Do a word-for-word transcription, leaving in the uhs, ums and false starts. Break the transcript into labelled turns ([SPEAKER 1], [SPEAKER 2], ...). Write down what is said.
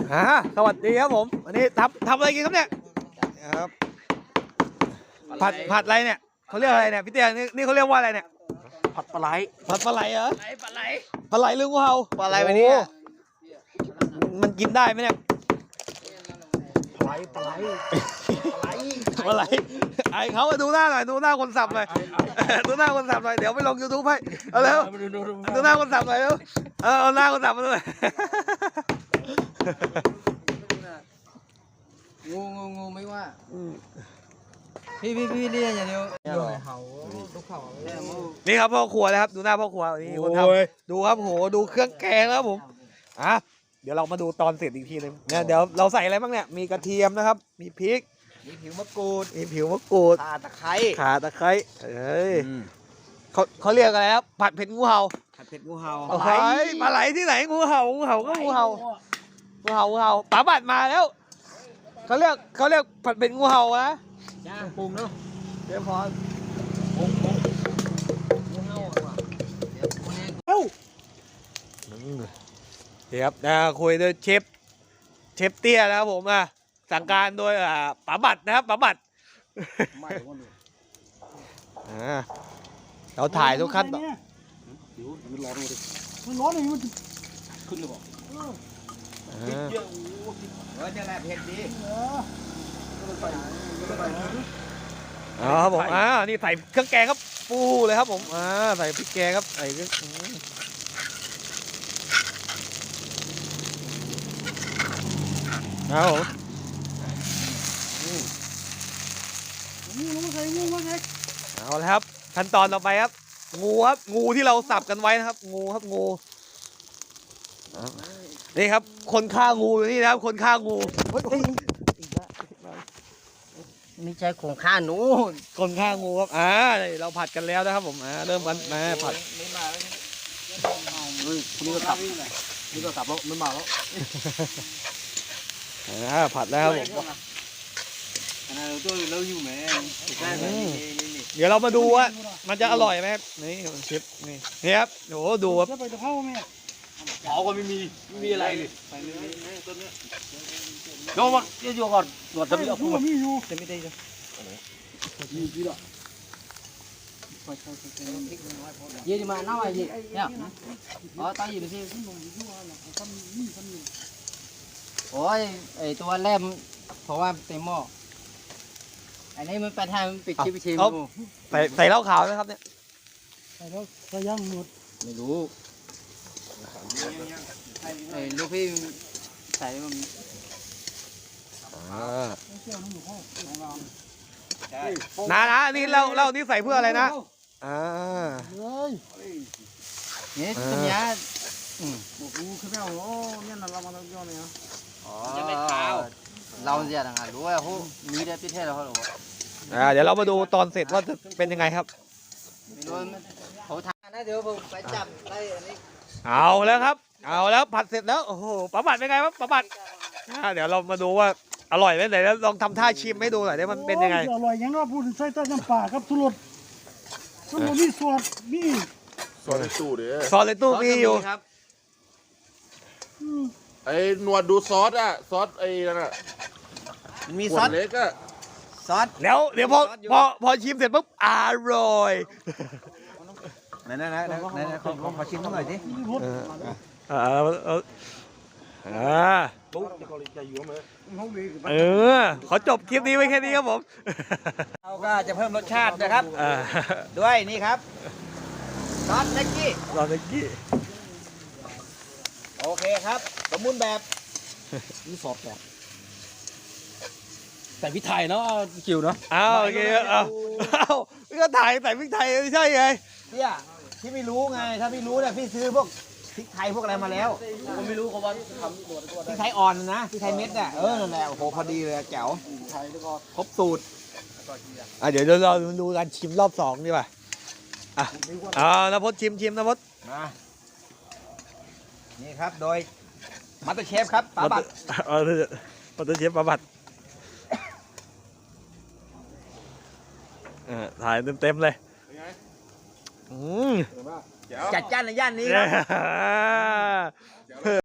[SPEAKER 1] อ่าสวัสดีครับผมวันนี้ทำทำอะไรกินครับเนี่ยครับผัดผัดอะไรเนี่ยเขาเรียกอะไรเนี่ยพี่เตี้ยนี่นี่เขาเรียกว่าอะไรเนี่ย
[SPEAKER 2] ผัดปลาไหล
[SPEAKER 1] ผัดปลาไหลเหรอ
[SPEAKER 3] ปลาไหล
[SPEAKER 1] ปลาไหลหรืองูเห่า
[SPEAKER 2] ปลาไหลวันนี้
[SPEAKER 1] มันกินได้ไหมเนี่ย
[SPEAKER 2] ปลาไหลปลาไหล
[SPEAKER 1] ปลาไหลไอเขาดูหน้าหน่อยดูหน้าคนสับหน่อยดูหน้าคนสับหน่อยเดี๋ยวไปลงยูทูบให้เอาเร็วดูหน้าคนสับหน่อยเร็วเออเอาหน้าคนสับมาด้วย
[SPEAKER 3] งูงูงูไม่ว่าพี่พี่พี่เรียกอย่างเดียวเห่าลูกเห่า
[SPEAKER 1] นี่ครับพ่อครัวนะครับดูหน้าพ่อครัวนี่คนทำดูครับโหดูเครื่องแกงแล้วผมอ่ะเดี๋ยวเรามาดูตอนเสร็จอีกทีนึงเนี่ยเดี๋ยวเราใส่อะไรบ้างเนี่ยมีกระเทียมนะครับมีพริก
[SPEAKER 2] มีผิวมะกรูด
[SPEAKER 1] มีผิวมะกรูด
[SPEAKER 2] ข่าตะไคร้
[SPEAKER 1] ข่าตะไคร้เฮ้ยเขาเขาเรียกอะไรครับผัดเผ็ดงูเห่า
[SPEAKER 2] ผัดเผ็ดงูเห่า
[SPEAKER 1] ปลาไหลปลาไหลที่ไหนงูเห่างูเห่าก็งูเห่างูเห่างูเห่าป๋าบัดมาแล้วเขาเรียกเขาเรียกผัดเผ็ดงูเห่านะ
[SPEAKER 2] ย่างปรุงเนาะ
[SPEAKER 1] เดี๋ยวพอ
[SPEAKER 2] ปรุงปรุงงูเห่าอ่ะเดี๋ยว
[SPEAKER 1] เอ้าเดี๋ยวครับนะคุยโดยเชฟเชฟเตี้ยนะครับผมอ่ะสั่งการโดยอ่าป๋าบัดนะครับป๋าบัดอ่าเราถ่ายทุกขั้นตอน
[SPEAKER 2] มันร้อนเลยมันร้อนเลยมันขึ้นเลยบอกพริกเยอะโอ้พริกเออจะแหละเผ็ดดี
[SPEAKER 1] อ๋อครับผมอ่านี่ใส่เครื่องแกงครับปูเลยครับผมอ่าใส่พริกแกงครับใส่เครื่องเอาเอาแล้วครับขั้นตอนต่อไปครับงูครับงูที่เราสับกันไว้นะครับงูครับงูนี่ครับคนฆ่างูอยู่นี่นะครับคนฆ่างู
[SPEAKER 2] ไม่ใช่ของข้าหนู
[SPEAKER 1] คนฆ่างูครับอ่าเราผัดกันแล้วนะครับผมอ่าเริ่มกันมาผัด
[SPEAKER 2] ไม่มาแล้วเฮ้ยคนนี้ก็ตับนี่ก็ตับแล้วไม่มาแล้ว
[SPEAKER 1] อ่าผัดแล้วผมเดี๋ยวเรามาดูว่ามันจะอร่อยไหมครับนี่เชฟนี่นี่ครับโอ้โหดูครับ
[SPEAKER 2] เผาก็ไม่มีไม่มีอะไรเลยโยมเดี๋ยวก่อนตรวจจะมีเอาพูดจะไม่ได้เลยยี่ดีมาหน้าอะไรยี่เนี่ยอ๋อตายยี่ดูสิโอ้ยไอตัวแรมเพราะว่าเต็มหม้ออันนี้มันไปทางปิดชิปชิม
[SPEAKER 1] ใส่ใส่เหล้าขาวไหมครับเนี่ย
[SPEAKER 2] ใส่แล้วใส่ย่างหมดไม่รู้ไอ้ลูกพี่ใส่มัน
[SPEAKER 1] นะนะนี่เราเรานี่ใส่เพื่ออะไรนะอ่า
[SPEAKER 2] เนี่ยตัวนี้อืมโอ้โหคือไม่เอาโอ้เนี่ยเรามาทำย้อนเลยนะอ๋อจะไม่ขาวเราจะต่างหากรู้ว่าเขามีได้พิเศษแล้วเขาหรอ
[SPEAKER 1] อ่าเดี๋ยวเรามาดูตอนเสร็จว่าจะเป็นยังไงครับ
[SPEAKER 2] เขาทานนะเดี๋ยวผมไปจับได้อันนี้
[SPEAKER 1] เอาแล้วครับเอาแล้วผัดเสร็จแล้วโอ้โหป๋าบัดเป็นไงครับป๋าบัดเดี๋ยวเรามาดูว่าอร่อยไหมไหนแล้วลองทำท่าชิมให้ดูหน่อยได้มันเป็นยังไง
[SPEAKER 4] อร่อยยังว่าพูดใส่ใต้น้ำปลาครับทุรสทุรสมีสวดมี
[SPEAKER 5] ซอสในตู้เด้อ
[SPEAKER 1] ซอสในตู้มีอยู่
[SPEAKER 2] ครับ
[SPEAKER 5] ไอ้หนวดดูซอสอ่ะซอสไอ้นั่นอ่ะ
[SPEAKER 2] มีซอส
[SPEAKER 5] เล็กอ่ะ
[SPEAKER 2] ซอส
[SPEAKER 1] แล้วเดี๋ยวพอพอพอชิมเสร็จปุ๊บอร่อย
[SPEAKER 2] ไหนไหนไหนไหนขอขอชิมหน่อยสิ
[SPEAKER 1] เออเออเออเออขอจบคลิปนี้ไว้แค่นี้ครับผม
[SPEAKER 2] เราก็จะเพิ่มรสชาตินะครับด้วยนี่ครับซอสเล็กกี้
[SPEAKER 1] ซอสเล็กกี้
[SPEAKER 2] โอเคครับสมบูรณ์แบบนี่ซอสแบบใส่พริกไทยเนาะคิวเนาะ
[SPEAKER 1] อ้าวโอเคเอาเอาพี่ก็ถ่ายใส่พริกไทยไม่ใช่ไง
[SPEAKER 2] พี่อะพี่ไม่รู้ไงถ้าพี่รู้เนี่ยพี่ซื้อพวกพริกไทยพวกอะไรมาแล้วผมไม่รู้เขาว่าทำตัวพริกไทยอ่อนนะพริกไทยเม็ดเนี่ยเออนั่นแหละโอ้โหพอดีเลยแจ๋วครบสูตร
[SPEAKER 1] อ่ะเดี๋ยวเราดูการชิมรอบสองดีกว่าอ่ะอ่านพจน์ชิมชิมนพจน์
[SPEAKER 2] มานี่ครับโดยมาสเตอร์เชฟครับป๋าบัตร
[SPEAKER 1] เออมาสเตอร์เชฟป๋าบัตรถ่ายเต็มๆเลย
[SPEAKER 2] จัดจ้านในย่านนี้